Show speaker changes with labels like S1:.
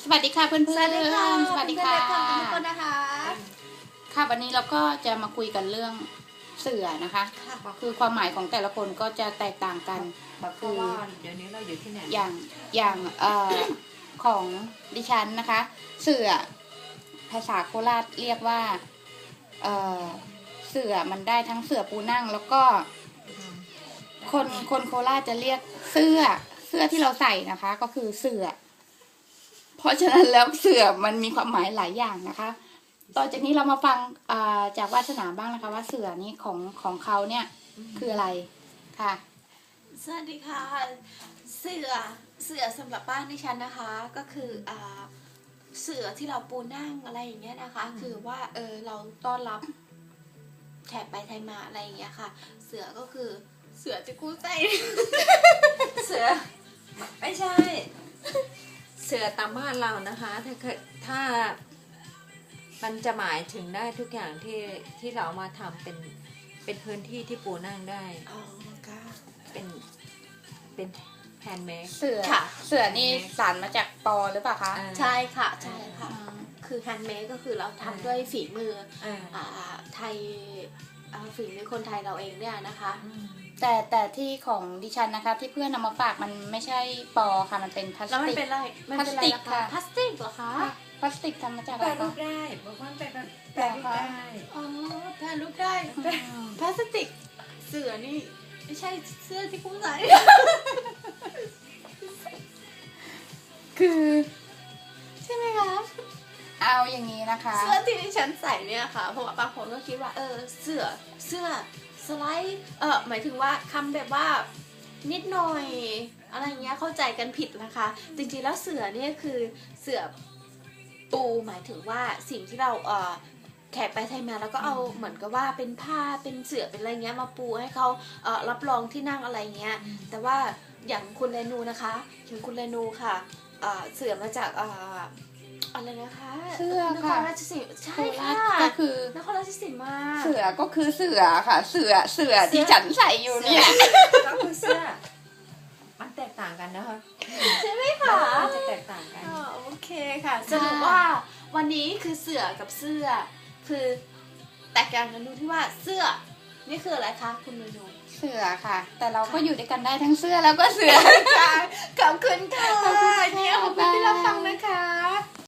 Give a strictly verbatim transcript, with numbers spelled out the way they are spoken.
S1: สวัสดีค่ะเพื่อนๆ
S2: สวัสดีค่ะ
S1: สวัสดีค่ะ
S2: เพื่อนๆทุกคนนะคะ
S1: ค่ะวันนี้เราก็จะมาคุยกันเรื่องเสือนะคะ
S2: ค่ะ
S1: คือความหมายของแต่ละคนก็จะแตกต่างกัน
S3: เพราะว่าเดี๋ยวนี้เราอยู่ที่ไหน
S1: อย่างอย่างเอ่อของดิฉันนะคะ เสือภาษาโคราชเรียกว่าเอ่อเสือมันได้ทั้งเสือปูนั่ง แล้วก็คนคนโคราชจะเรียกเสื้อเสื้อที่เราใส่นะคะ ก็คือเสือเพราะฉะนั้นแล้วเสือมันมีความหมายหลายอย่างนะคะ ต่อจากนี้เรามาฟังจากวาสนาบ้างนะคะ ว่าเสือนี้ของของเขาเนี่ยคืออะไรค่ะ
S2: สวัสดีค่ะ เสือเสือสำหรับบ้านดิฉันนะคะ ก็คืออ่าเสือที่เราปูนั่งอะไรอย่างเงี้ยนะคะ คือว่าเออเราต้อนรับแขกไปไทยมาอะไรอย่างเงี้ยค่ะ เสือก็คือเสือจะกู้ใจ
S3: เสือไม่ใช่ เสือตามบ้านเรานะคะ ถ้าเคยถ้ามันจะหมายถึงได้ทุกอย่างที่ที่เรามาทำเป็นเป็นพื้นที่ที่ปูนั่งได้
S2: อ๋อค่ะ
S3: เป็นเป็นแฮนด์เมด
S1: เสือ
S2: ค่ะ
S1: เสือนี่สารมาจากปอหรือเปล่าคะ
S2: ใช่ค่ะใช่ค่ะ
S1: อืม
S2: คือแฮนด์เมดก็คือเราทำด้วยฝีมือ
S3: อ่า
S2: อ่าไทยอ่าฝีมือคนไทยเราเองเนี่ยนะคะ
S1: แต่แต่ที่ของดิฉันนะคะ ที่เพื่อนนำมาฝากมันไม่ใช่ปอค่ะมันเป็นพลาส
S2: แล้วมัน
S1: ติก
S2: เป็นอะไรมันเป็นอะไรล่ะ
S1: พลาสติกค่ะ
S2: คะพลาสติกเหรอคะ
S1: พลาสติกทำมาจาก
S3: แป
S1: อะ
S3: ร
S1: ไร
S3: รู
S1: คะ
S3: ปได้บอกว่าแปรแปรรูปได้
S2: อ๋อแพรรูปได้พลาสติกเสือนี่ไม่ใช่เสื้อที่กุ้งใส่
S1: คือ
S2: ใช่ไหมคะ
S1: เอาอย่างนี้นะคะ
S2: เสื้อที่ดิฉันใส่เนี่ยค่ะเพราะว่าบางคนก็คิดว่าเออเสื้อเสื้อสไลด์เออหมายถึงว่าคำแบบว่านิดหน่อยอะไรเงี้ยเข้าใจกันผิดนะคะ จริงๆแล้วเสือเนี่ยคือเสือปูหมายถึงว่าสิ่งที่เราเออแขกไปไทยมาแล้วก็เอาเหมือนกับว่าเป็นผ้าเป็นเสื่อเป็นอะไรเงี้ยมาปูให้เขาเอ่อรับรองที่นั่งอะไรเงี้ยแต่ว่าอย่างคุณเรนูนะคะอย่างคุณเรนูค่ะเอ่อเสื่อมาจากเอ่ออะไรนะคะ
S1: เสื้อน
S2: ค
S1: ค่ะ
S2: รราชสีมาใช่
S1: โครา
S2: ค่ะ
S1: ชก็คือ
S2: นครราชสีมา
S1: เสือก็คือเสือค่ะ เสือเสือที่ฉันใส่อยู่เนี่ย
S3: ก็คือเสื้อมันแตกต่างกันนะคะ
S2: ใช่ไหมคะ
S3: มันจะแตกต่างกัน
S2: อ๋อโอเคค่ะสรุปว่าวันนี้คือเสือกับเสื้อ คือแตกต่างกันตรงที่ว่าเสื้อนี่คืออะไรคะคุณเรนู
S1: เสือค่ะ แต่เราก็อยู่ด้วยกันได้ทั้งเสื้อแล้วก็เสือ
S2: ขอบคุณค่ะเนี่ยขอบคุณที่รับฟังนะคะ